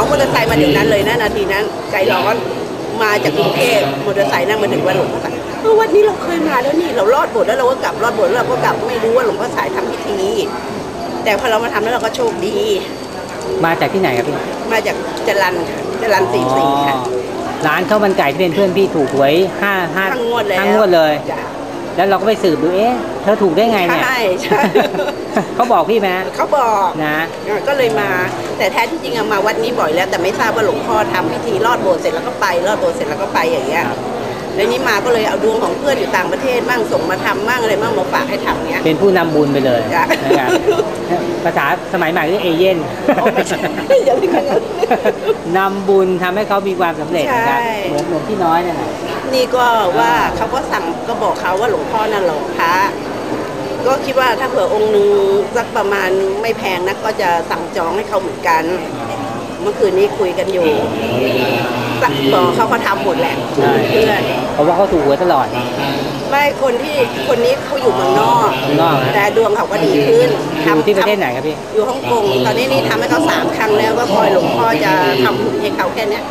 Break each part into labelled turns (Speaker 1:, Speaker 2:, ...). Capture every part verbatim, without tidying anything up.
Speaker 1: ามอเตอร์ไซค์มาเดี๋ยวนั้นเลยนะนาทีนั้นใจร้อนมาจากกรุงเทพมอเตอร์ไซค์นั่งมาถึงวัดหลวงพ่อสายเออวันนี้เราเคยมาแล้วนี่เราลอดโบสถ์แล้วเราก็กลับลอดโบสถ์แล้วเราก็กลับไม่รู้ว่าหลวงพ่อสายทำพิธีแต่พอเรามาทำแล้วเราก็โชคดี
Speaker 2: มาจากที่ไหนครับพี่
Speaker 1: มาจากจรัญจรัญสี่สี่ค่ะ
Speaker 2: ร้านข้าวมันไก่ที่เป็นเพื่อนพี่ถูกหวยห้าห้า
Speaker 1: ทั้งงวดเลย
Speaker 2: ทั้งงวดเลยแล้วเราก็ไปสืบดูเอ๊ะเธอถูกได้ไงเนี่ย
Speaker 1: ใช่ใช่
Speaker 2: เขาบอกพี่ไหม
Speaker 1: เขาบอก
Speaker 2: นะ
Speaker 1: ก็เลยมาแต่แท้ที่จริงมาวัดนี้บ่อยแล้วแต่ไม่ทราบว่าหลวงพ่อทำพิธีลอดโบสถ์เสร็จแล้วก็ไปลอดโบสถ์เสร็จแล้วก็ไปอย่างเงี้ยแล้วนี้มาก็เลยเอาดวงของเพื่อนอยู่ต่างประเทศมั่งส่งมาทำมั่งอะไรมั่งมาฝากให้ทำเงี้ย
Speaker 2: เป็นผู้นำบุญไปเลยนะครับภาษาสมัยใหม่เรียกเอเย่นนำบุญทำให้เขามีความสำเร็จนะครับเหมือนหลวงพี่น้อยนั่นแหละ
Speaker 1: นี่ก็ว่าเขาก็สั่งก็บอกเขาว่าหลวงพ่อนั่นหลวงพระก็คิดว่าถ้าเผื่อองค์นึงสักประมาณไม่แพงนักก็จะสั่งจองให้เขาเหมือนกันเมื่อคืนนี้คุยกันอยู่บอกเขาเขาทำหมดแหละเพื่อน
Speaker 2: เพราะว่าเขาถูกหวยตลอด
Speaker 1: ไม่คนที่คนนี้เขาอยู่เมืองนอกแต่ดวงเขาก็ดีขึ้น
Speaker 2: ทำที่ประเทศไหนครับพี่
Speaker 1: อยู่ฮ่องกงตอนนี้นี่ทำให้เขาสามครั้งแล้วก็คอยหลวงพ่อจะทำให้เขาแค่นี้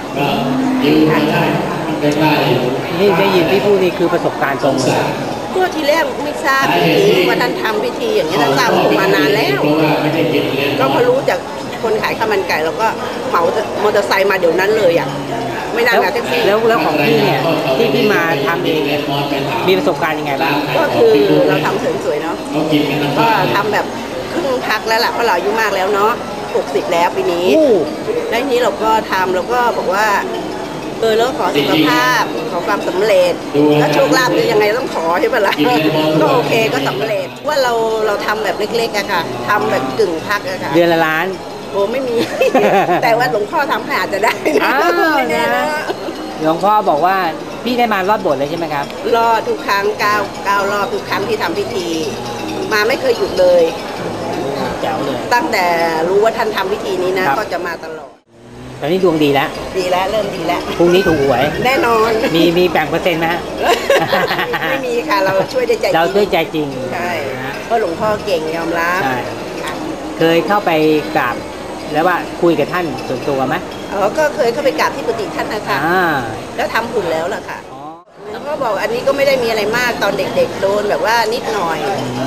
Speaker 2: นี่ได้ยินพี่พูดนี่คือประสบการณ์ตรงเลย
Speaker 1: ก็ทีแรกไม่ทราบจริงว่าท่านทำพิธีอย่างนี้ท่านทราบผมมานานแล้วก็พอรู้จากคนขายข้าวมันไก่เราก็เหมามอเตอร์ไซค์มาเดี๋ยวนั้นเลยอ่ะไม่นั่งแท็กซี่
Speaker 2: แล้วแล้วของพี่เนี่ยที่พี่มาทำเองเนี่ยมีประสบการณ์ยังไงบ้าง
Speaker 1: ก็คือเราทำเสริมสวยเนาะก็ทำแบบครึ่งพักแล้วล่ะเพราะเราอายุมากแล้วเนาะหกสิบแล้วปีนี้แล้วทีนี้เราก็ทำเราก็บอกว่าเออแล้วขอสุขภาพขอความสำเร็จแล้วโชคลาภจะยังไงต้องขอใช่ไหมล่ะก็โอเคก็สำเร็จว่าเราเราทำแบบเล็กๆอะค่ะทำแบบกึ่งพักอะค่ะ
Speaker 2: เดือนละล้าน
Speaker 1: โอ้ไม่มีแต่ว่าหลวงพ่อทำให้อาจจะได้นะไม่แน่นะ
Speaker 2: หลวงพ่อบอกว่าพี่ได้มารอดโบสถ์เลยใช่ไหมครับ
Speaker 1: รอดทุกครั้งเก้าเก้ารอบทุกครั้งที่ทำพิธีมาไม่เคยหยุดเลย
Speaker 2: แจ๋วเลย
Speaker 1: ตั้งแต่รู้ว่าท่านทำพิธีนี้นะก็จะมาตลอด
Speaker 2: ตอนนี้ดวงดีแล้ว
Speaker 1: ดีแล้วเริ่มดีแล้ว
Speaker 2: พรุ่งนี้ถูกหวย
Speaker 1: แน่นอน
Speaker 2: มีมีแบ่งเปอร์เซ็นต์ไหมฮะ
Speaker 1: ไม่มีค่ะเราช่วยได้ใจ
Speaker 2: เราช่วยใจจริง
Speaker 1: ใช่เพราะหลวงพ่อเก่งยอมรับ
Speaker 2: เคยเข้าไปกราบแล้วว่าคุยกับท่านส่วนตัวไหม
Speaker 1: อ๋อก็เคยเข้าไปกราบที่กุฏิท่านนะคะแล้วทำบุญแล้วล่ะค่ะแล้วก็บอกอันนี้ก็ไม่ได้มีอะไรมากตอนเด็กๆโดนแบบว่านิดหน่อย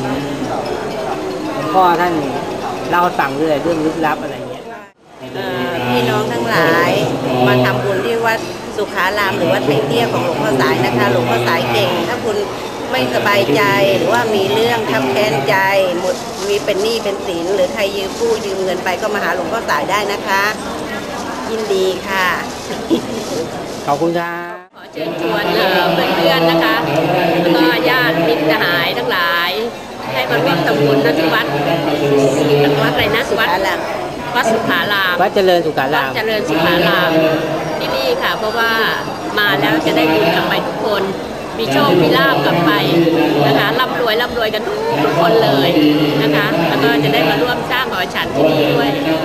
Speaker 2: พ่อท่านเล่าสั่งเรื่องเรื่องลึกลับอะไรเงี้ย
Speaker 1: พี่น้องทั้งหลายมาทำบุญที่วัดสุขารามหรือวัดไผ่เตี้ยของหลวงพ่อสายนะคะหลวงพ่อสายเก่งถ้าคุณไม่สบายใจหรือว่ามีเรื่องทับแค้นใจหมดมีเป็นหนี้เป็นสินหรือใครยืมกู้ยืมเงินไปก็มาหาหลวงพ่อสายได้นะคะยินดีค่ะ
Speaker 2: ขอบคุณครับ
Speaker 3: ขอเชิญชวนเพื่อนๆนะคะแล้วก็ญาติมิตรสหายทั้งหลายให้มาร่วมทำบุญณที่วัดวัดอะไรนะวัดวัดสุขาราม
Speaker 2: วัดเจริญสุขาราม
Speaker 3: วัดเจริญสุขารามที่นี่ค่ะเพราะว่ามาแล้วจะได้บุญกลับไปทุกคนมีโชคมีลาภกลับไปนะคะร่ำรวยร่ำรวยกันทุกทุกคนเลยนะคะแล้วก็จะได้มาร่วมสร้างหอฉันที่นี่ด้วย